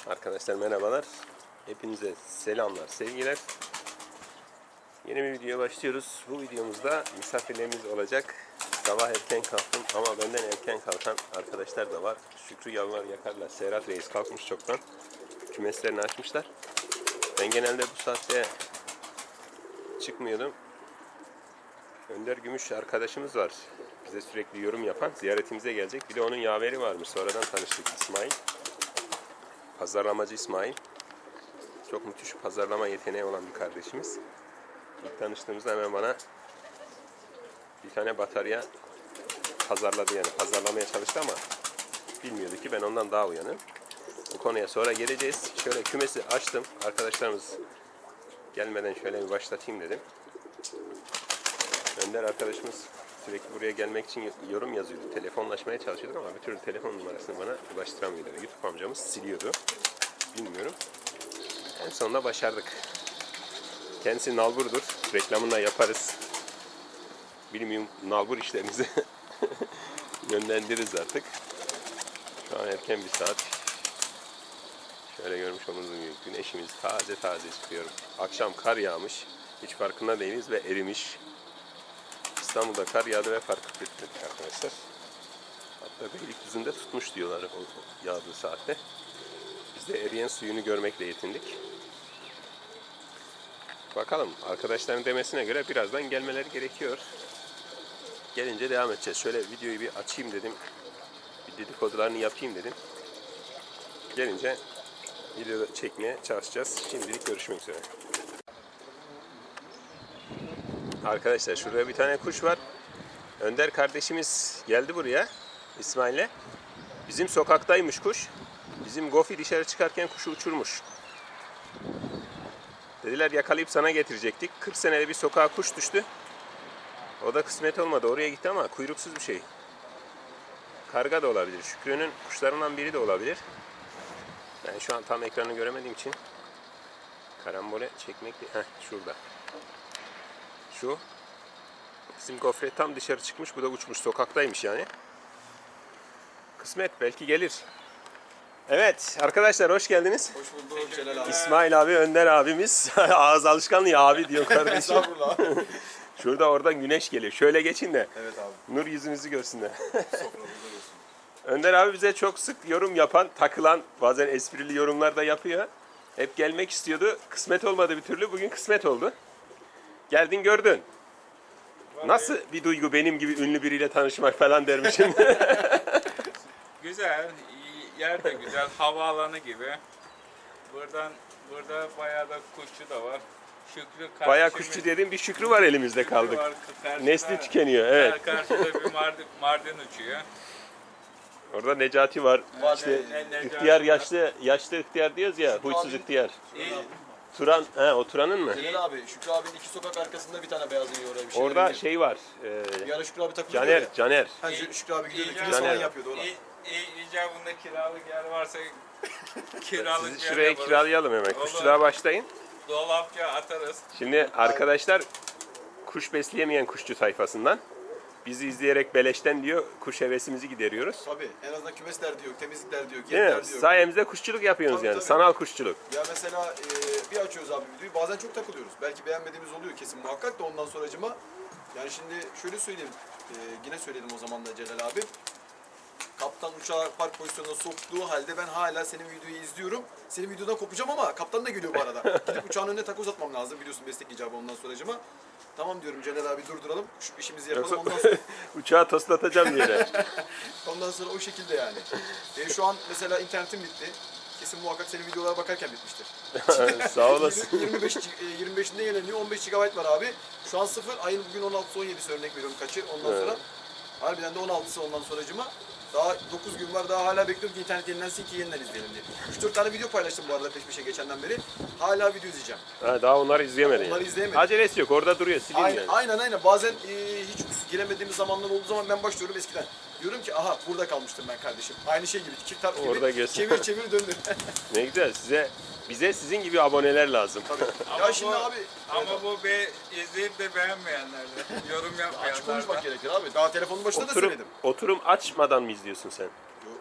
Arkadaşlar merhabalar. Hepinize selamlar, sevgiler. Yeni bir videoya başlıyoruz. Bu videomuzda misafirlerimiz olacak. Sabah erken kalktım ama benden erken kalkan arkadaşlar da var. Şükrü yavrular yakarlar. Serhat Reis kalkmış çoktan. Kümeslerini açmışlar. Ben genelde bu saatte çıkmıyordum. Önder Gümüş arkadaşımız var. Bize sürekli yorum yapan. Ziyaretimize gelecek. Bir de onun yaveri varmış. Sonradan tanıştık, İsmail. Pazarlamacı İsmail. Çok müthiş pazarlama yeteneği olan bir kardeşimiz. İlk tanıştığımızda hemen bana bir tane batarya pazarladı, yani pazarlamaya çalıştı ama bilmiyordu ki ben ondan daha uyanım. Bu konuya sonra geleceğiz. Şöyle kümesi açtım. Arkadaşlarımız gelmeden şöyle bir başlatayım dedim. Önder arkadaşımız sürekli buraya gelmek için yorum yazıyordu. Telefonlaşmaya çalışıyorduk ama bir türlü telefon numarasını bana ulaştıramıyordu. YouTube amcamız siliyordu. Bilmiyorum. En sonunda başardık. Kendisi nalburdur. Reklamını da yaparız. Bilmiyorum, nalbur işlerimizi yönlendiririz artık. Şu an erken bir saat. Şöyle görmüş olduğunuz gibi güneşimiz taze taze çıkıyor. Akşam kar yağmış. Hiç farkında değiliz ve erimiş. İstanbul'da kar yağdı ve fark etmedik arkadaşlar. Hatta Beylikdüzü'nde tutmuş diyorlar o yağdığı saatte. Biz de eriyen suyunu görmekle yetindik. Bakalım, arkadaşların demesine göre birazdan gelmeleri gerekiyor. Gelince devam edeceğiz. Şöyle videoyu bir açayım dedim. Bir dedikodularını yapayım dedim. Gelince video çekmeye çalışacağız. Şimdilik görüşmek üzere. Arkadaşlar şurada bir tane kuş var. Önder kardeşimiz geldi buraya İsmail'le. Bizim sokaktaymış kuş. Bizim Gofi dışarı çıkarken kuşu uçurmuş. Dediler yakalayıp sana getirecektik. 40 senede bir sokağa kuş düştü. O da kısmet olmadı. Oraya gitti ama kuyruksuz bir şey. Karga da olabilir. Şükrü'nün kuşlarından biri de olabilir. Ben şu an tam ekranı göremediğim için karambole çekmek değil. Şurada. Şu. Bizim gofret tam dışarı çıkmış. Bu da uçmuş. Sokaktaymış yani. Kısmet. Belki gelir. Evet arkadaşlar hoş geldiniz. Hoş bulduk Celal abi. İsmail abi, Önder abimiz. Ağız alışkanlığı abi diyor kardeşim. Estağfurullah. Şurada oradan güneş geliyor. Şöyle geçin de Evet abi. nur yüzünüzü görsünler. Soframızda olsun. Önder abi bize çok sık yorum yapan, takılan, bazen esprili yorumlar da yapıyor. Hep gelmek istiyordu. Kısmet olmadı bir türlü. Bugün kısmet oldu. Geldin gördün. Nasıl bir duygu benim gibi ünlü biriyle tanışmak falan dermişim. Güzel, yer de güzel, havaalanı gibi. Burada bayağı da kuşçu da var. Şükrü Bayağı kuşçu dediğim bir Şükrü var elimizde kaldık. Nesli tükeniyor, evet. Karşıda bir mardin uçuyor. Orada Necati var. İşte Necati ihtiyar var. yaşlı ihtiyar diyoruz ya, huysuz abi. ihtiyar. İyi, Turan, o Turan'ın mı? Celal abi, Şükrü abinin 2 sokak arkasında bir tane beyaz yiyor oraya bir şey. Orada şey var. Bir ara Şükrü abi takılıyor Caner. Ha, Şükrü abi gidiyordu. İyi, Kümes Caner. falan yapıyordu ona. icabında kiralık yer varsa kiralık Sizi yer şuraya yaparız. kiralayalım hemen. Olur. Kuşçuluğa başlayın. Dolapça atarız. Şimdi arkadaşlar kuş besleyemeyen kuşçu tayfasından bizi izleyerek beleşten diyor kuş hevesimizi gideriyoruz. Tabii, en azından kümes derdi yok, temizlik derdi yok, Değil mi? yer derdi yok. Sayemizde kuşçuluk yapıyorsunuz Tabii, yani. tabii. Sanal kuşçuluk. Ya mesela bir açıyoruz abi videoyu, bazen çok takılıyoruz. Belki beğenmediğimiz oluyor kesin muhakkak da ondan sonracıma. Yani şimdi şöyle söyleyeyim, yine söyledim o zaman da Celal abi. Kaptan uçağı park pozisyonuna soktuğu halde ben hala senin videoyu izliyorum. Senin videodan kopacağım ama kaptan da geliyor bu arada. Gidip uçağın önüne takoz atmam lazım, biliyorsun meslek icabı ondan sonracıma. Tamam diyorum Celal abi, durduralım, şu işimizi yapalım, Yoksa ondan sonra uçağı toslatacağım diye. ondan sonra o şekilde yani. Şu an mesela internetim bitti. Kesin muhakkak senin videolara bakarken bitmiştir. Sağ olasın. 25'inde yenileniyor. 15 GB var abi. Şu an 0. Ayın bugün 16'sı 17'si örnek veriyorum kaçı. Ondan Evet. sonra harbiden de 16'sı ondan sonracıma. Daha 9 gün var. Daha hala bekliyorum ki internet yenilensin ki yeniden izleyelim diye. 3-4 tane video paylaştım bu arada peş peşe geçenden beri. Hala video izleyeceğim. Daha onları izleyemedin. Onları yani. izleyemedim. Acelesi yok. Orada duruyor. Silin Aynen, yani. aynen. Bazen hiç giremediğimiz zamanlar olduğu zaman ben başlıyorum eskiden. Diyorum ki aha burada kalmıştım ben kardeşim. Aynı şey gibi, çift taraf gibi. Orada göster. Çevir çevir döndür. Ne güzel. Bize sizin gibi aboneler lazım. Tabii. Ya şimdi abi. Ama bu izleyip de beğenmeyenler de, yorum Açık yapmayanlar konuşmak da. gerekir abi. Daha telefonun başında da söyledim. Oturum açmadan mı izliyorsun sen?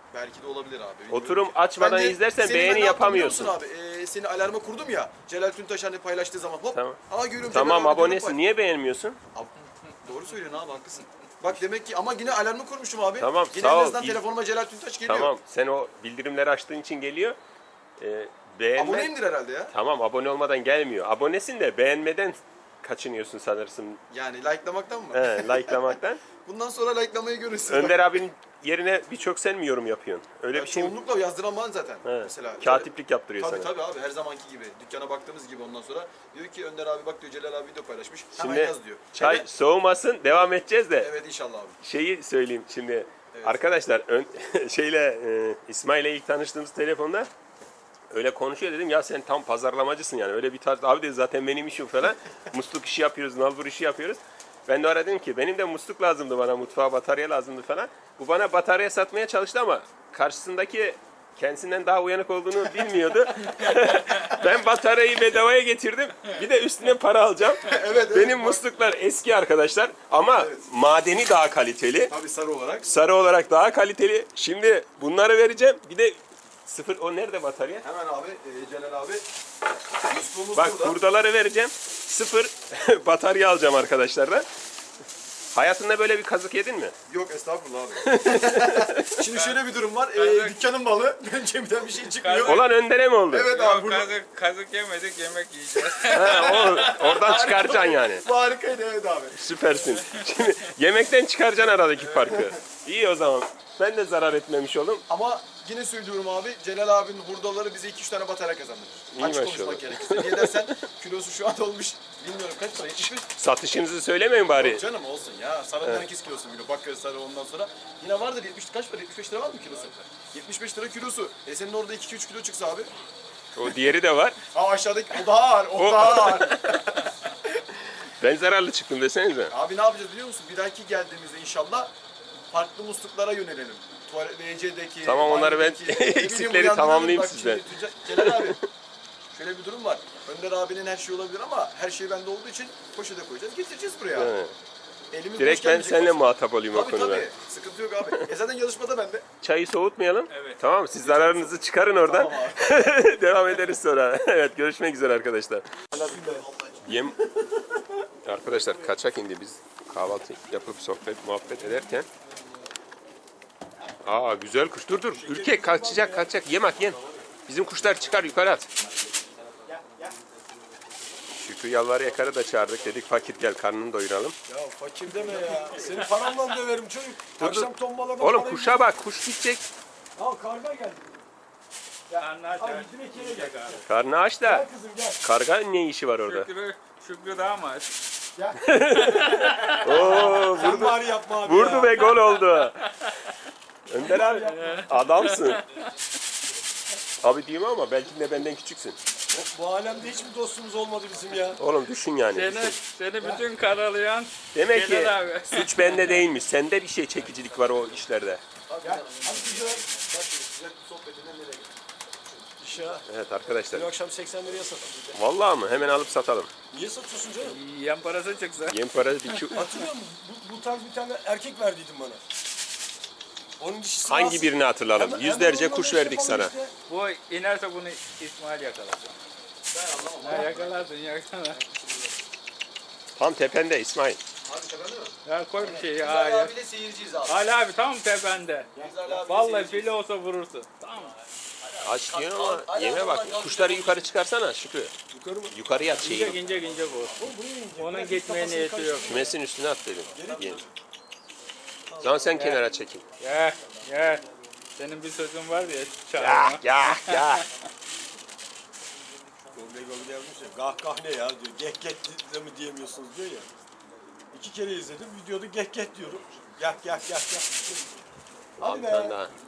Belki de olabilir abi. bilmiyorum Oturum ki. açmadan Ben de izlersen seni ben beğeni ne yaptım biliyor yapamıyorsun. musun abi? Seni alarma kurdum ya. Celal Tüntaş hani paylaştığı zaman hop. Tamam. Aa görüyorum Tamam Celal abi abonesin. diyorum, Niye beğenmiyorsun? Abi, doğru söylüyorsun abi haklısın. Bak demek ki ama yine alarmı kurmuşum abi. Tamam, Yine sağ en ol. azından telefonuma Celal Tüntaş geliyor. Tamam. Sen o bildirimleri açtığın için geliyor. Beğenme. Aboneyimdir herhalde ya. Tamam abone olmadan gelmiyor. Abonesin de beğenmeden kaçınıyorsun sanırsın. Yani likelamaktan mı? He, likelamaktan. Bundan sonra likelamayı görürsün. Önder abinin yerine birçok sen mi yorum yapıyorsun? Öyle Ya bir şey mi? çoğunlukla yazdıran var zaten. He, Mesela. katiplik yaptırıyor Tabii sana. tabii abi her zamanki gibi. Dükkana baktığımız gibi ondan sonra diyor ki Önder abi bak diyor Celal abi video paylaşmış. Hemen Şimdi yaz diyor. çay Hemen- soğumasın devam edeceğiz de. Evet inşallah abi. Şeyi söyleyeyim şimdi. Arkadaşlar İsmail'le ilk tanıştığımız telefonda öyle konuşuyor dedim ya sen tam pazarlamacısın yani öyle bir tarz abi dedi zaten benim işim falan musluk işi yapıyoruz nalbur işi yapıyoruz. Ben de ara dedim ki benim de musluk lazımdı bana mutfağa batarya lazımdı falan. Bu bana batarya satmaya çalıştı ama karşısındaki kendisinden daha uyanık olduğunu bilmiyordu. Ben bataryayı bedavaya getirdim. Bir de üstüne para alacağım. Evet, Benim musluklar eski arkadaşlar ama madeni daha kaliteli. Tabii sarı olarak. Sarı olarak daha kaliteli. Şimdi bunları vereceğim. Bir de sıfır o nerede batarya? Hemen abi Celal abi. Musluğumuz Bak burada. hurdaları vereceğim. Sıfır batarya alacağım arkadaşlardan. Hayatında böyle bir kazık yedin mi? Yok estağfurullah abi. Şimdi şöyle bir durum var. Dükkanın malı. Benim cebimden bir şey çıkmıyor. Olan Önder'e mi oldu? Evet abi Yok, burada. kazık yemedik, yemek yiyeceğiz. Ha, oradan çıkaracaksın yani. Bu harikaydı evet abi. Süpersin. Şimdi yemekten çıkaracaksın aradaki farkı. İyi o zaman. Ben de zarar etmemiş oldum. Ama yine söylüyorum abi Celal abinin hurdaları bize 2-3 tane batarya kazandırır. İyi Açık maşallah. konuşmak gerekirse. Niye dersen kilosu şu an olmuş bilmiyorum kaç para 75 Satışınızı söylemeyin bari. Yok canım olsun ya. Sarıdan 2 kilosu bile. Bakır sarı ondan sonra. Yine vardır 70 kaç para? 75 lira var mı kilosu? 75 lira kilosu. Senin orada 2-3 kilo çıksa abi. O diğeri de var. Aşağıdaki o daha ağır. O daha ağır. Ben zararlı çıktım desenize. Abi ne yapacağız biliyor musun? Bir dahaki geldiğimizde inşallah farklı musluklara yönelelim. Tuvalet WC'deki. Tamam, onları ben banyodaki, ne bileyim, eksikleri uyandıralım. tamamlayayım Bak sizden. şimdi Celal abi. Şöyle bir durum var. Önder abinin her şeyi olabilir ama her şey bende olduğu için poşete koyacağız. Getireceğiz buraya. He. Elimiz Direkt boş ben gelmeyecek seninle olsun. muhatap olayım o Tabii konuda. tabii. Sıkıntı yok abi. Zaten yarışmada bende. Çayı soğutmayalım. Evet. Tamam mı? Siz zararınızı çıkarın oradan. Tamam Devam ederiz sonra. Evet görüşmek üzere arkadaşlar. Yem arkadaşlar kaçak indi biz kahvaltı yapıp sohbet muhabbet ederken. Aa güzel kuş. Dur dur. Ürkek kaçacak. Yem at yem. Bizim kuşlar çıkar yukarı at. Şükrü Yalvar Yakar'ı da çağırdık. Dedik fakir gel karnını doyuralım. Ya fakir deme ya. Seni paramla döverim çocuk. Akşam tombalada Oğlum parayı- kuşa bak. Kuş gidecek. Al karga geldi. Anlar Al bizim ikiye gel. Karnı aç da. Gel kızım gel. Karga ne işi var orada? Şükrü daha mı aç? Oo Sen bari yapma abi vurdu ya. ve gol oldu. Önder abi adamsın. Abi diyeyim ama belki de benden küçüksün. Bu alemde hiç mi dostumuz olmadı bizim ya? Oğlum düşün yani. Seni bütün karalayan Demek ki Celal abi. suç bende değilmiş. Sende bir şey çekicilik var o işlerde. Gel. Hadi güzel. İş ya. Evet arkadaşlar. Bu akşam 80 liraya satalım. Vallahi mı? Hemen alıp satalım. Niye satıyorsun canım? yan parası çıksa. Yem parası bir Hatırlıyor musun? Bu tarz bir tane erkek verdiydin bana. Onun dişisi Hangi nasıl? birini hatırlayalım? Hemen Yüzlerce onunla kuş ne verdik yapalım sana. işte? Bu inerse bunu İsmail yakalar. Ha, yakalarsın. Tam tepende İsmail. Abi tepende mi? Ya koy bir şey Biz ya. Ali ya. abiyle seyirciyiz abi. Ali abi tam tepende. Biz Ali abiyle Vallahi seyirciyiz. fili olsa vurursun. Tamam mı? Aç diyorsun ama yeme bak. Kuşları yukarı çıkarsana Şükrü. Yukarı mı? Yukarı yat şeyi. İnce bu. Onun gitmeye niyeti yok. Kümesin üstüne at dedim. Yem. O zaman sen kenara çekin. Gel. Senin bir sözün var ya. Ya Çağırma. ya. Gol yazmış ya. Gah gah ne ya diyor. Geh geh de mi diyemiyorsunuz diyor ya. 2 kere izledim. Videoda geh geh diyorum. Gah gah gah gah. Hadi Bir be. tane daha.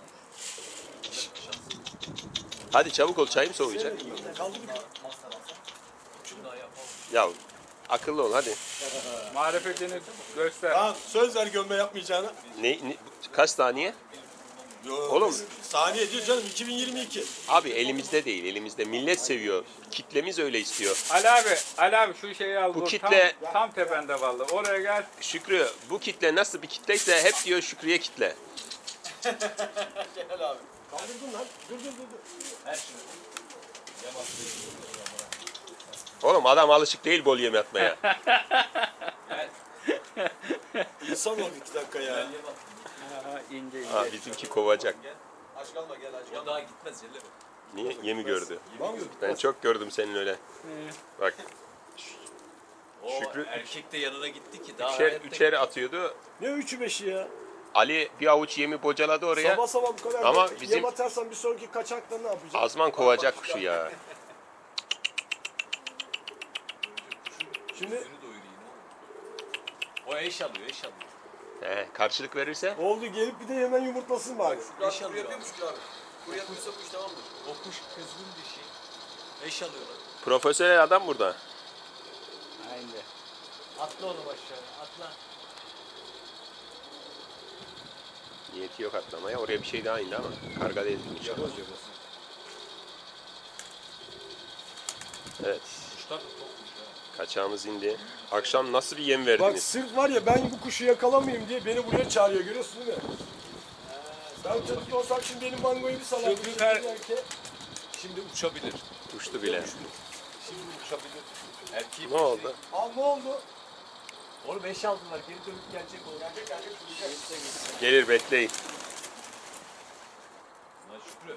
Hadi çabuk ol çayım soğuyacak. Kaldı bir Ya akıllı ol hadi. Marifetini göster. Tamam söz ver gömme yapmayacağına. Kaç saniye? Yo, Oğlum. Saniye diyor canım 2022. Abi elimizde değil elimizde. Millet seviyor. Kitlemiz öyle istiyor. Ali abi şu şeyi al. Bu dur. kitle- Tam tepende vallahi. Oraya gel. Şükrü bu kitle nasıl bir kitleyse hep diyor Şükrü'ye kitle. Celal abi. Dur. Oğlum adam alışık değil bol yem atmaya. İnsan ol 2 dakika ya. Aha, ince Ha, bizimki kovacak. Aç kalma gel aç O kalma. daha gitmez Celle bak. Niye? Yemi gördü. Var mı? Ben çok gördüm senin öyle. Bak O Şükrü- erkek de yanına gitti ki daha üçer, hayatta üçer atıyordu. Ne 3'ü 5'i ya? Ali bir avuç yemi bocaladı oraya. Sabah sabah bu kadar. Ama Yem bizim- atarsan bir sonraki kaçakta ne yapacağız? Azman kovacak kuşu ya. Şimdi Gözünü doyurayım oğlum. O eş alıyor, eş alıyor. Karşılık verirse oldu gelip bir de hemen yumurtlasın bari. Şükrü abi kuru yapıyormuş Şükrü abi. Kuru yapıyorsa bu iş tamamdır. O kuş kızgın dişi. Eş alıyorlar. profesyonel adam burada. Aynen. Atla onu aşağıya, atla. Niyeti yok atlamaya. Oraya bir şey daha indi ama. Karga değil. inşallah. Evet. Kuşlar da topmuş ha. Kaçağımız indi. Akşam nasıl bir yem Bak verdiniz? sırf var ya ben bu kuşu yakalamayayım diye beni buraya çağırıyor görüyorsun değil mi? Ben çatıda olsam şimdi benim mangoyu bir salardım. Şükrü Kar- Şimdi uçabilir. Uçtu bile. Şimdi uçabilir. Erkeği Ne oldu? Aa ne oldu? Oğlum eş aldılar, geri dönüp gelecek o. Gelecek. Gelir bekleyin. Lan Şükrü.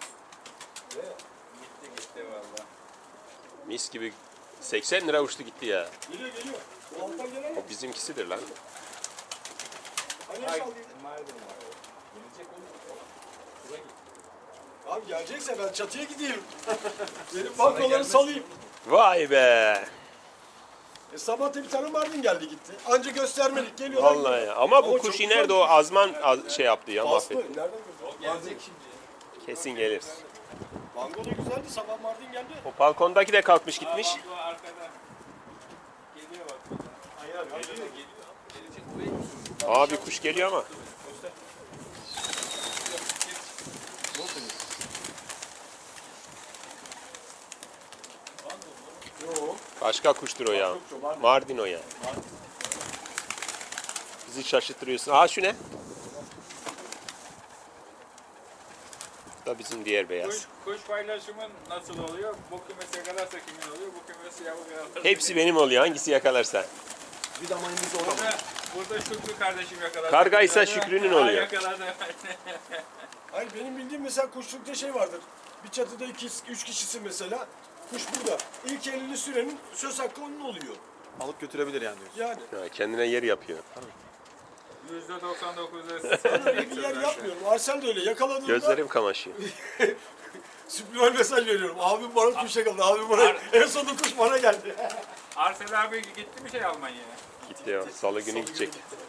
Gitti valla. Mis gibi 80 lira uçtu gitti ya. Geliyor. Alttan gelen O bizimkisidir lan. hani saldıydı? Gelecek oğlum. Buraya git. Abi gelecekse ben çatıya gideyim. Benim bankoları salayım. Vay be. Sabah da bir tane Mardin geldi gitti. Anca göstermelik geliyorlar. Vallahi ya. Ama bu Ama kuş çok iner de güzel o kuş. azman şey yaptı ya Bastı. mahvetti. Nereden gördün? O gelecek şimdi ya. Kesin gelir. Bango da güzeldi. Sabah Mardin geldi. O balkondaki de kalkmış gitmiş. Bu arkadan. Geliyor bak. Geliyor. Gelecek buraya. Aa bir kuş geliyor ama. Yok. Başka kuştur o ya. Mardin o ya. Bizi şaşırtıyorsun. Aa şu ne? Bu da bizim diğer beyaz. Kuş paylaşımın nasıl oluyor? Bu kümesi yakalarsa kimin oluyor? Bu kümesi yavru yakalarsa. Hepsi benim oluyor. Hangisi yakalarsa. Bir damayımız orada. Burada Şükrü kardeşim yakaladı. Kargaysa Şükrü'nün Aa, oluyor. yakaladı. Hayır benim bildiğim mesela kuşlukta şey vardır. Bir çatıda 2-3 kişisin mesela. Kuş burada. İlk elini sürenin söz hakkı onun oluyor. Alıp götürebilir yani diyorsun. Yani. Ha, kendine yer yapıyor. %99'da Öyle bir yer yapmıyorum. Arsel de öyle. Yakaladığımda Gözlerim kamaşıyor. subliminal mesaj veriyorum. Abim bana kuş yakaladı. Abim bana en sonunda kuş bana geldi. Arsel abi gitti mi şey Almanya'ya? Gitti ya. Salı günü gidecek.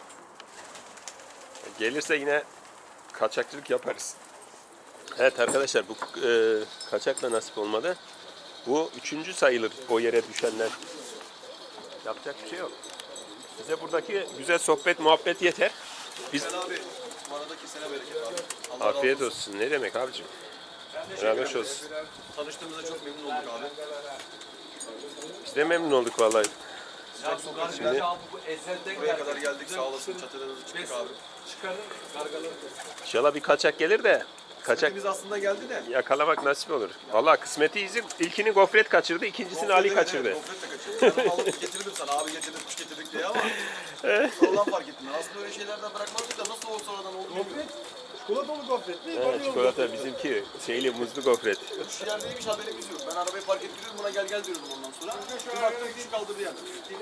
Gelirse yine kaçakçılık yaparız. Evet arkadaşlar bu kaçakla nasip olmadı. Bu 3. sayılır o yere düşenler. Yapacak bir şey yok. Bize buradaki güzel sohbet muhabbet yeter. Biz Sen abi bu arada kesene bereket abi. Allah razı afiyet olsun. Ne demek abicim? Helal hoş olsun. Tanıştığımıza çok memnun olduk abi. Biz de memnun olduk vallahi. Ya bu gargalı abi bu ezelden Buraya kadar geldik sağ olasın. Çatılarınızı çıktık abi. Çıkarır gargaları. İnşallah bir kaçak gelir de kaçak Biz aslında geldi de. yakalamak nasip olur. Vallahi kısmeti izi ilkini gofret kaçırdı, ikincisini Ali kaçırdı. Gofret de kaçırdı. Ben alıp getirdim sana abi getirdim kuş getirdik diye ama. Sonradan fark ettim. Aslında öyle şeylerden bırakmazdık da nasıl olsa sonradan oldu bilmiyorum. Çikolatalı gofret mi? Evet, çikolata bizimki şeyli muzlu gofret. Şu yerdeymiş haberimiz yok. Ben arabayı park ettiriyorum buna gel diyordum ondan sonra. Bir baktım kuş kaldırdı yani.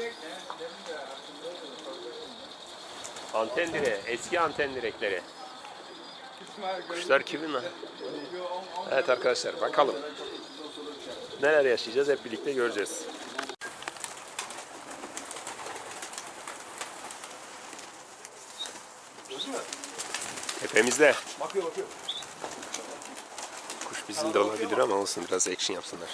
Anten direği, eski anten direkleri. Kuşlar kimin lan? Evet arkadaşlar bakalım. Neler yaşayacağız hep birlikte göreceğiz. Tepemizde. Bakıyor. Kuş bizim de olabilir ama olsun biraz action yapsınlar.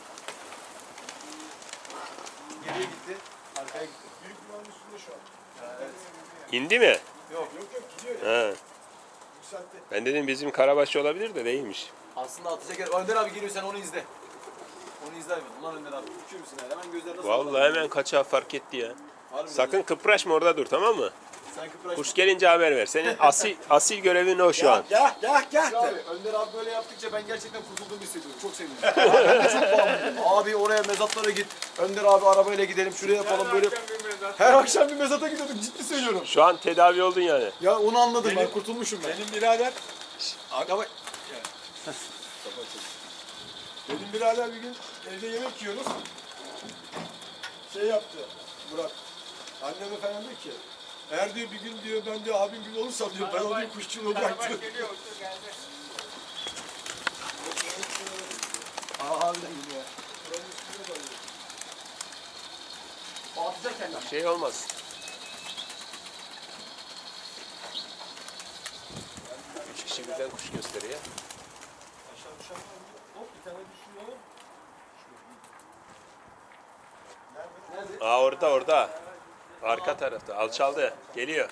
Geriye gitti. Arkaya gitti. Büyük binanın üstünde şu an. İndi mi? Yok gidiyor ya. Ha. Yükseltti. Ben dedim bizim Karabaşçı olabilir de değilmiş. Aslında atacak yer. Önder abi geliyor sen onu izle. Onu izle abi. Ulan Önder abi. Uçuyor musun yani? Hemen gözler nasıl? Vallahi hemen kaçağı fark etti ya. Harbiden Sakın kıpraşma orada dur tamam mı? Sen kıpraşma. Kuş gelince haber ver. Senin asil görevin o şu an. Gah gah gah Abi, de. Önder abi böyle yaptıkça ben gerçekten kurtulduğumu hissediyorum. Çok sevindim. Ben de çok bağımlıyım. Abi oraya mezatlara git. Önder abi arabayla gidelim. Şuraya yapalım böyle. Her akşam bir mezata gidiyorduk. Ciddi söylüyorum. Şu an tedavi oldun yani. Ya onu anladım ben. Kurtulmuşum ben. Benim birader Ama Benim birader bir gün evde yemek yiyoruz. Şey yaptı Murat. Anneme falan diyor ki eğer diyor bir gün diyor ben diyor abim gibi olursam diyor ben o diyor kuşçuluğu bıraktım. Şey olmaz. Üç kişi birden kuş gösteriyor. Hop bir tane düşüyor. Aa orada. Arka tarafta. Alçaldı. Geliyor.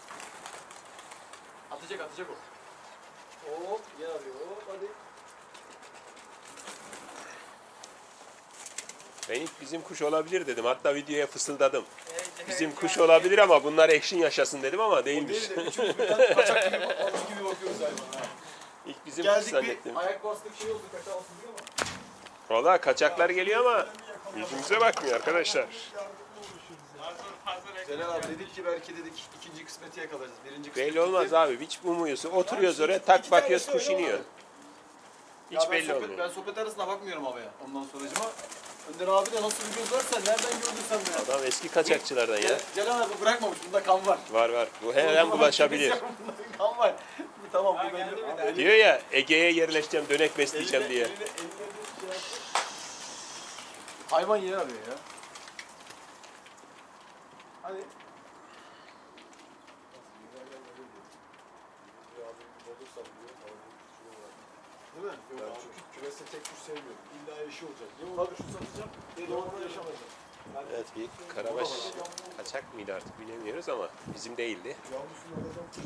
atacak o. Hop yer arıyor. Hop hadi. Ben ilk bizim kuş olabilir dedim. Hatta videoya fısıldadım. Bizim kuş olabilir ama bunlar action yaşasın dedim ama değilmiş. Değil de üçümüz birden kaçak gibi, alış gibi bakıyoruz hayvana. İlk bizim kuş Geldik zannettim. bir ayak bastık şey oldu. Kaçak atılıyor ama. Valla kaçaklar geliyor ama yüzümüze bakmıyor arkadaşlar. Celal abi dedik ki belki dedik ikinci kısmeti yakalarız. Birinci kısmeti. Belli olmaz abi. Hiç umuyorsun. Oturuyoruz oraya tak bakıyoruz kuş iniyor. Hiç Ya ben belli sohbet, olmuyor. ben sohbet arasına bakmıyorum havaya. Ondan sonracıma. Önder abi de nasıl bir göz varsa nereden gördün sen bunu? Adam eski kaçakçılardan ya. Celal abi bırakmamış. Bunda kan var. Var. Bu her an bulaşabilir. Bunda kan var. Tamam bu belli. Diyor ya Ege'ye yerleşeceğim, dönek besleyeceğim diye. Hayvan yer arıyor ya. Hadi. Değil mi? Ben çünkü kümeste tek kuş sevmiyorum. İlla eşi olacak. Ya ona kuş satacağım ya da onunla yaşamayacağım. Evet bir karabaş kaçak mıydı artık bilemiyoruz ama bizim değildi. Yavrusunu alacağım kuş.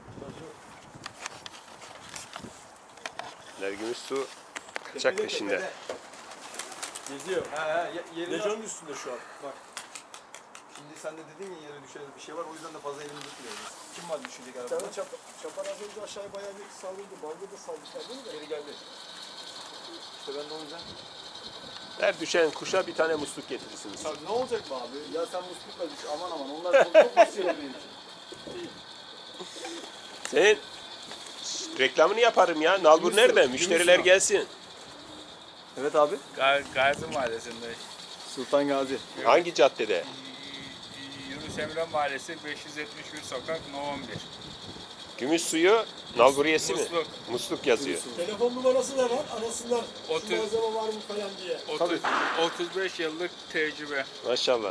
Nergümüş su kaçak peşinde. Geziyor. Yerini Lejonun üstünde şu an. Bak. Şimdi sen de dedin ya yere düşen bir şey var o yüzden de fazla elini tutmuyoruz. Kim var düşecek Bir arabada? tane çapar az önce aşağıya bayağı bir saldırdı. Balda da saldırdı da. Geri geldi. İşte ben de o yüzden. Her düşen kuşa bir tane musluk getirirsiniz. Abi ne olacak mı abi? Ya sen muslukla düş aman onlar çok basit benim için. Senin reklamını yaparım ya. Nalbur nerede? Müşteriler gelsin. Evet abi. Gazi Mahallesi'nde. Sultan Gazi. Hangi caddede? Yunus Emre Mahallesi 571 sokak No 11. Gümüş suyu nalburiyesi mi? Musluk. Musluk yazıyor. Telefon numarası da var. Arasınlar. Şu Otur. malzeme var mı falan diye. 35 yıllık tecrübe. Maşallah.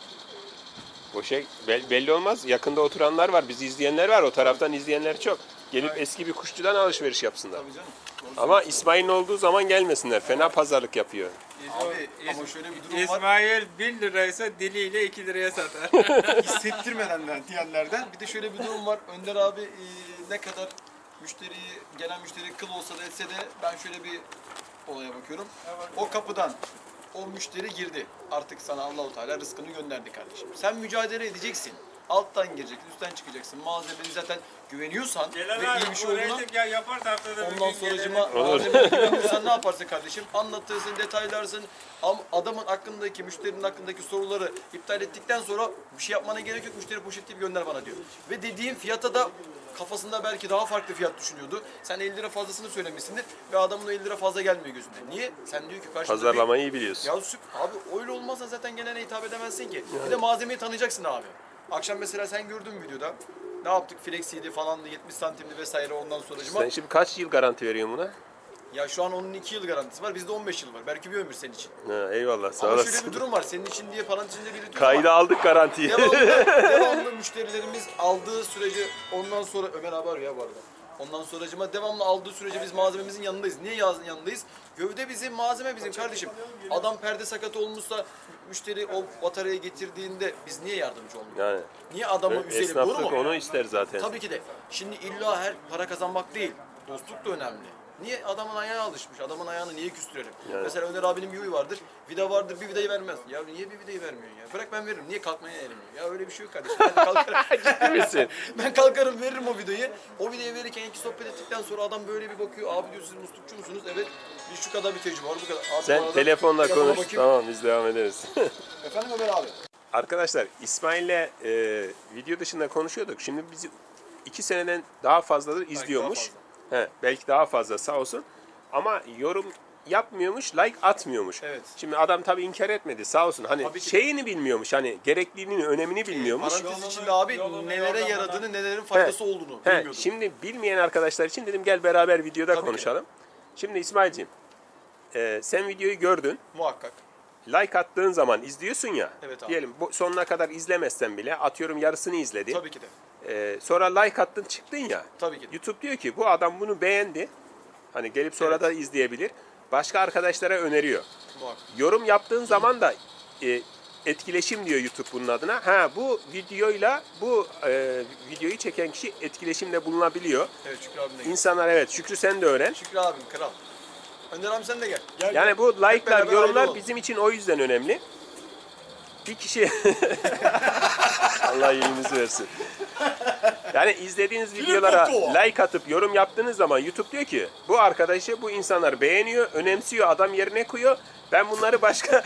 Bu şey belli olmaz. Yakında oturanlar var. Bizi izleyenler var. O taraftan izleyenler çok. Gelip eski bir kuşçudan alışveriş yapsınlar. Tabii canım. Ama İsmail'in olduğu zaman gelmesinler. Fena pazarlık yapıyor. Abi ama şöyle bir durum var. İsmail 1 liraysa diliyle 2 liraya satar. Hissettirmeden diyenlerden. Bir de şöyle bir durum var. Önder abi ne kadar gelen müşteri kıl olsa da etse de ben şöyle bir olaya bakıyorum. O kapıdan o müşteri girdi. Artık sana Allahu Teala rızkını gönderdi kardeşim. Sen mücadele edeceksin. Alttan gireceksin, üstten çıkacaksın. Malzemeni zaten güveniyorsan ve iyi bir şey olduğuna yaparsa haftada ondan sonracıma malzemeye güveniyorsan ne yaparsın kardeşim? Anlatırsın, detaylarsın. Adamın hakkındaki, müşterinin hakkındaki soruları iptal ettikten sonra bir şey yapmana gerek yok. Müşteri poşetleyip gönder bana diyor. Ve dediğin fiyata da kafasında belki daha farklı fiyat düşünüyordu. Sen 50 lira fazlasını söylemişsindir ve adamın o 50 lira fazla gelmiyor gözünde. Niye? Sen diyor ki karşında Pazarlamayı iyi biliyorsun. Ya abi öyle olmazsa zaten gelene hitap edemezsin ki. Bir de malzemeyi tanıyacaksın abi. Akşam mesela sen gördün videoda. Ne yaptık? Flexiydi falandı, 70 santimli vesaire ondan sonracıma. Sen şimdi kaç yıl garanti veriyorsun buna? Ya şu an onun 2 yıl garantisi var. Bizde 15 yıl var. Belki bir ömür senin için. Ha, eyvallah sağ Ama şöyle olasın. bir durum var. Senin için diye paranın içinde belirtiyoruz Kayda aldık garantiyi. devamlı müşterilerimiz aldığı sürece ondan sonra Ömer abi arıyor ya bu arada. Ondan sonracıma devamlı aldığı sürece biz malzememizin yanındayız. Niye yanındayız? Gövde bizim, malzeme bizim kardeşim. Adam perde sakatı olmuşsa müşteri o bataryayı getirdiğinde biz niye yardımcı olmuyoruz? Yani Niye adamı üzelim? Doğru esnaflık mu? onu ister zaten. Tabii ki de. Şimdi illa her para kazanmak değil. Dostluk da önemli. Niye? Adamın ayağı alışmış. Adamın ayağını niye küstürelim? Yani. Mesela Önder abinin bir huyu vardır. Vida vardır, bir vidayı vermez. Ya niye bir vidayı vermiyorsun ya? Bırak ben veririm. Niye kalkmaya eğilmiyor? Ya öyle bir şey yok kardeşim. Ben kalkarım. Ciddi misin? Ben kalkarım veririm o vidayı. O vidayı verirken iki sohbet ettikten sonra adam böyle bir bakıyor. Abi diyor siz muslukçu musunuz? Evet. Biz şu kadar bir tecrübe var. Bu kadar. Abi, bu Sen arada telefonla telefona konuş. bakayım. Tamam biz devam ederiz. Efendim Ömer abi. Arkadaşlar İsmail'le video dışında konuşuyorduk. Şimdi bizi 2 seneden daha fazladır izliyormuş. Belki daha fazla sağ olsun. Ama yorum yapmıyormuş, like atmıyormuş. Evet. Şimdi adam tabii inkar etmedi sağ olsun. Hani Tabii ki. şeyini bilmiyormuş. Hani gerekliliğini, önemini bilmiyormuş. Parantez içinde abi nelere yaradığını, nelerin faydası olduğunu bilmiyordum. Şimdi bilmeyen arkadaşlar için dedim gel beraber videoda Tabii ki. konuşalım. Şimdi İsmail'ciğim sen videoyu gördün. Muhakkak. Like attığın zaman izliyorsun ya. Evet abi. Diyelim sonuna kadar izlemezsen bile atıyorum yarısını izledin. Tabii ki de. Sonra like attın çıktın ya. Tabii ki de. YouTube diyor ki bu adam bunu beğendi. Hani gelip sonra da izleyebilir. Başka arkadaşlara öneriyor. Muhakkak. Yorum yaptığın zaman da etkileşim diyor YouTube bunun adına. Ha bu videoyla bu videoyu çeken kişi etkileşimde bulunabiliyor. Evet Şükrü abim de gel. İnsanlar evet Şükrü sen de öğren. Şükrü abim kral. Önder abi sen de gel. Yani bu like'lar, beraber ayrı yorumlar olalım. bizim için o yüzden önemli. Bir kişi Allah iyiliğinizi versin. Yani izlediğiniz videolara like atıp yorum yaptığınız zaman YouTube diyor ki bu arkadaşı bu insanlar beğeniyor, önemsiyor, adam yerine koyuyor. Ben bunları başka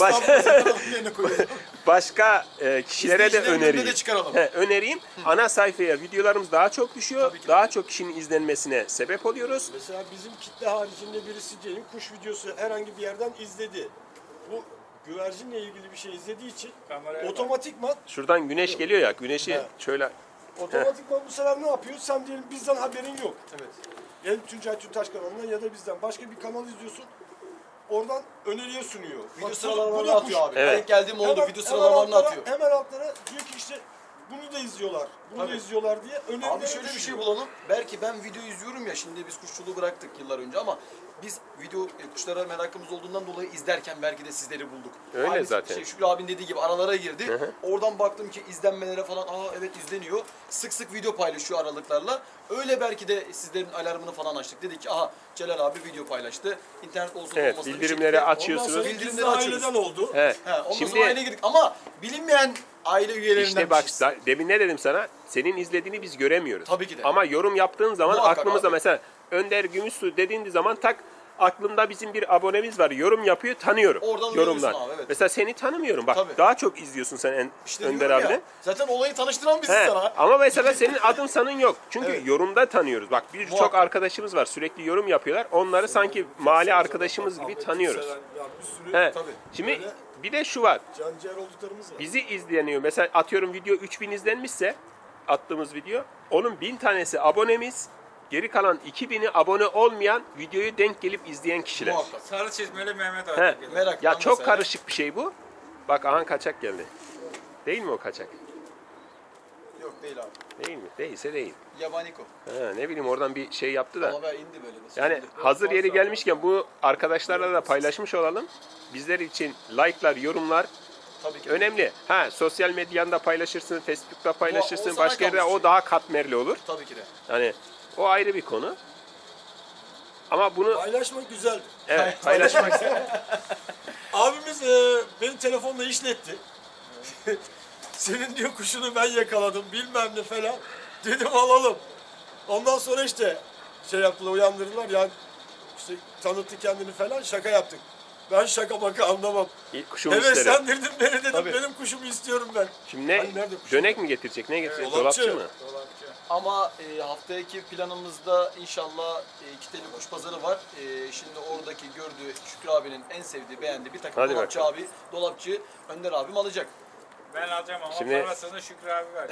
kişilere de İzleyicilerin önüne önereyim. de çıkaralım. Önereyim. Ana sayfaya videolarımız daha çok düşüyor. Tabii ki. Daha çok kişinin izlenmesine sebep oluyoruz. Mesela bizim kitle haricinde birisi diyelim kuş videosu herhangi bir yerden izledi. Bu güvercinle ilgili bir şey izlediği için Kameraya bak. otomatikman Şuradan güneş geliyor ya. Güneşi Evet. şöyle otomatikman bu sefer ne yapıyor? Sen diyelim bizden haberin yok. Evet. Ya Tuncay Tüntaş kanalından ya da bizden başka bir kanal izliyorsun. Oradan öneriye sunuyor. Bak, Video bu sıralamalarını da atıyor kuş. abi. Evet. Denk geldiğim oldu. Hemen- Video hemen sıralamalarını altlara- atıyor. Hemen altlara diyor ki işte bunu da izliyorlar. Bunu da Tabii. izliyorlar diye önerileri Abi şöyle bir şey bulalım. Belki ben video izliyorum ya, şimdi biz kuşçuluğu bıraktık yıllar önce ama biz video kuşlara merakımız olduğundan dolayı izlerken belki de sizleri bulduk. Öyle Aynı zaten. Şükrü abinin dediği gibi aralara girdi. Hı hı. Oradan baktım ki izlenmelere falan evet izleniyor. Sık sık video paylaşıyor aralıklarla. Öyle belki de sizlerin alarmını falan açtık. Dedik ki Celal abi video paylaştı. İnternet olsun Evet, olmasın bir bildirimleri şekilde- açıyorsunuz. Ondan sonra Bildirimleri biz de açıyoruz. aileden oldu. Evet. Ondan Şimdi sonra aileye girdik ama bilinmeyen aile üyelerinden İşte bak birisiz. demin ne dedim sana? Senin izlediğini biz göremiyoruz. Tabii ki de. Ama yorum yaptığın zaman Muhakkak aklımızda abi. mesela Önder Gümüşsu dediğin zaman tak aklımda bizim bir abonemiz var. Yorum yapıyor, tanıyorum. Oradan yorumdan. uyuyorsun abi, evet. Mesela seni tanımıyorum. Bak Tabii. daha çok izliyorsun sen İşte Önder diyorum ya, abiden. zaten olayı tanıştıran biziz He, sana. ama mesela senin adın sanın yok. Çünkü Evet. yorumda tanıyoruz. Bak birçok Muhakkak. arkadaşımız var. Sürekli yorum yapıyorlar. Onları sanki mahalle arkadaşımız gibi tanıyoruz. Ya bir sürü He. Tabii. Şimdi Böyle- bir de şu var. canciğer olduklarımız var. Bizi izleniyor. Mesela atıyorum video 3000 izlenmişse attığımız video onun 1000 tanesi abonemiz. Geri kalan 2000'i abone olmayan videoyu denk gelip izleyen kişiler. Muhakkak. Sarı çizmeli Mehmet He. abi. gelir. Merak Ya etme çok sen. karışık bir şey bu. Bak ahan kaçak geldi. Değil mi o kaçak? Yok değil abi. Değil mi? Değilse değil. Yabaniko. Ha, ne bileyim oradan bir şey yaptı da. Ama ben indi böyle. Nasıl Yani indi? hazır yeri gelmişken bu arkadaşlarla da paylaşmış olalım. Bizler için like'lar, yorumlar Tabii ki. önemli. Ha sosyal medyanda paylaşırsın, Facebook'ta paylaşırsın, o sana başka yerde kalmış o şey. daha katmerli olur. Tabii ki de. Yani o ayrı bir konu. Ama bunu Paylaşmak güzel. evet paylaşmak Abimiz benim telefonla işletti. Senin diyor kuşunu ben yakaladım bilmem ne falan. Dedim alalım. Ondan sonra işte şey yaptılar uyandırdılar yani işte tanıttı kendini falan şaka yaptık. Ben şaka maka anlamam. kuşum Evet isterim. sendirdin beni dedim Tabii. benim kuşumu istiyorum ben. Şimdi ne? Hani nerede kuşum? Dönek mi getirecek? Ne getirecek? dolapçı. Dolapçı mı? Dolapçı. Ama haftaki planımızda inşallah kiteli kuş pazarı var. Şimdi oradaki gördüğü Şükrü abinin en sevdiği, beğendiği bir takım Hadi dolapçı bakalım. abi, dolapçı Önder abim alacak. Ben alacağım ama Şimdi- parasını Şükrü abi ver.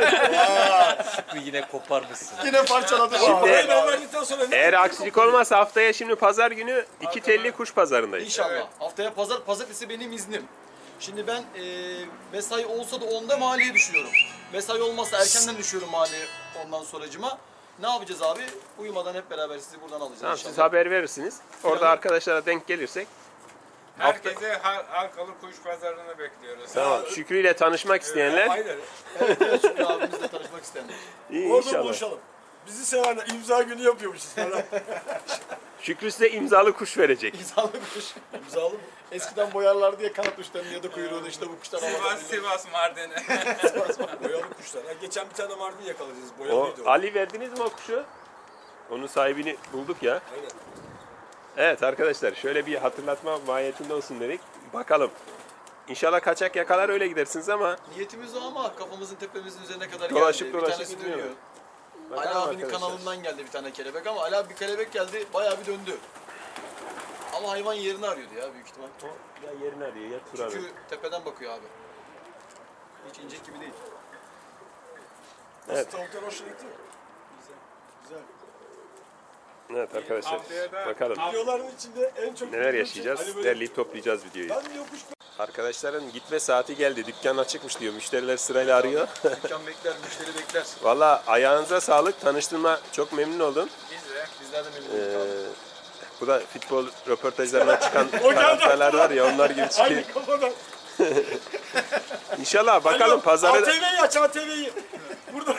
Yine koparmışsın. Yine parçaladı. Şimdi- Parayı ben verdikten sonra ne? Eğer aksilik olmazsa haftaya şimdi pazar günü iki telli kuş pazarındayız. İnşallah. Evet. Haftaya pazartesi benim iznim. Şimdi ben mesai olsa da 10'da mahalleye düşüyorum. Mesai olmazsa erkenden düşüyorum mahalleye ondan sonracıma. Ne yapacağız abi? Uyumadan hep beraber sizi buradan alacağız Tamam inşallah. siz haber verirsiniz. Orada Planı- arkadaşlara denk gelirsek. Herkese halkalı kuş pazarını bekliyoruz. Tamam. Şükrü ile tanışmak isteyenler Aynen. Evet, evet Şükrü abimizle tanışmak isteyenler. iyi Orada inşallah. buluşalım. Bizi sevenler imza günü yapıyormuşuz falan. Şükrü size imzalı kuş verecek. İnsanlı kuş. İmzalı mı? Eskiden boyarlar diye kanat uçlarını ya da kuyruğunu işte bu kuşlar Sivas, Mardin. Boyalı kuşlar. Ha, geçen bir tane mardin yakaladınız. O, Boyalıydı o. Ali verdiniz mi o kuşu? Onun sahibini bulduk ya. Aynen. Evet arkadaşlar şöyle bir hatırlatma mahiyetinde olsun dedik. Bakalım. İnşallah kaçak yakalar öyle gidersiniz ama Niyetimiz o ama kafamızın tepemizin üzerine kadar Dolaşıp geldi. dolaşıp bir tanesi gidiyor. dönüyor. Ali bakalım abinin arkadaşlar. kanalından geldi bir tane kelebek ama Ali abi bir kelebek geldi bayağı bir döndü. Ama hayvan yerini arıyordu ya büyük ihtimal. O ya yerini arıyor ya tur arıyor. Çünkü tepeden bakıyor abi. Hiç inecek gibi değil. Evet. Tavuklar hoşuna gitti mi? Güzel. Evet arkadaşlar Haftaya da- bakalım Videoların içinde en çok... neler yaşayacağız. Hani böyle, Derleyip toplayacağız videoyu. ben diyor kuş... Arkadaşların gitme saati geldi. Dükkan açıkmış diyor. Müşteriler sırayla arıyor. Dükkan bekler, müşteri bekler. Valla ayağınıza sağlık. Tanıştığıma çok memnun oldum. Biz de. Bizler de memnun Ee, olduk abi. bu da futbol röportajlarına çıkan karakterler var ya onlar gibi çıkıyor. Aynı kafadan. İnşallah bakalım pazarı ATV'yi aç ATV'yi. Burada.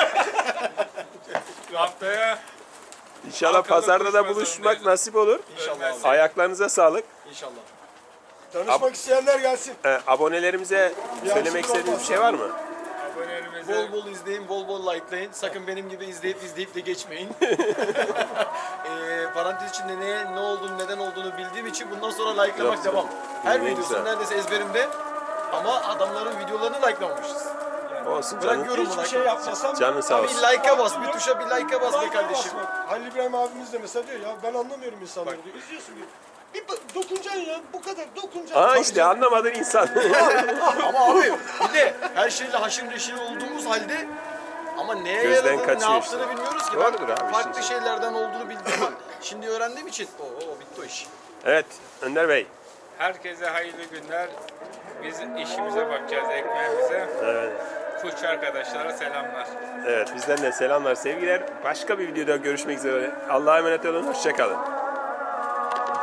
Haftaya İnşallah Halkalı pazarda da kuş buluşmak pazarındayız. nasip olur. İnşallah abi. Ayaklarınıza sağlık. İnşallah. Tanışmak isteyenler gelsin. abonelerimize söylemek istediğiniz bir şey var mı? abonelerimize Bol bol izleyin, bol bol likelayın. Sakın benim gibi izleyip de geçmeyin. Parantez içinde ne olduğunu, neden olduğunu bildiğim için bundan sonra likelamak Yok, devam. Her ne videosu güzel. neredeyse ezberimde. Ama adamların videolarını likelamamışız. Olsun Bırak canım. yorumu Hiçbir like. şey yapmasam... Canın sağ Bir olsun. like'a bas, bir tuşa bir like'a bas be Like'a kardeşim. basmak. Halil İbrahim abimiz de mesela diyor ya ben anlamıyorum insanları diyor. İzliyorsun diyor. Dokunacaksın ya bu kadar dokunacaksın. Aa Tabii işte canım. anlamadın insan. Ama abi bir de her şeyle haşır neşir olduğumuz halde ama neye Gözden yaradığını, ne kaçıyor yaptığını işte. bilmiyoruz ki. Doğrudur Ben abi, farklı işin şeylerden olduğunu bildiğim an şimdi öğrendiğim için bitti o iş. Evet Önder Bey. herkese hayırlı günler. Biz işimize bakacağız, ekmeğimize. Evet. Kuş arkadaşlara selamlar. Evet bizden de selamlar sevgiler. Başka bir videoda görüşmek üzere. Allah'a emanet olun. Hoşça kalın.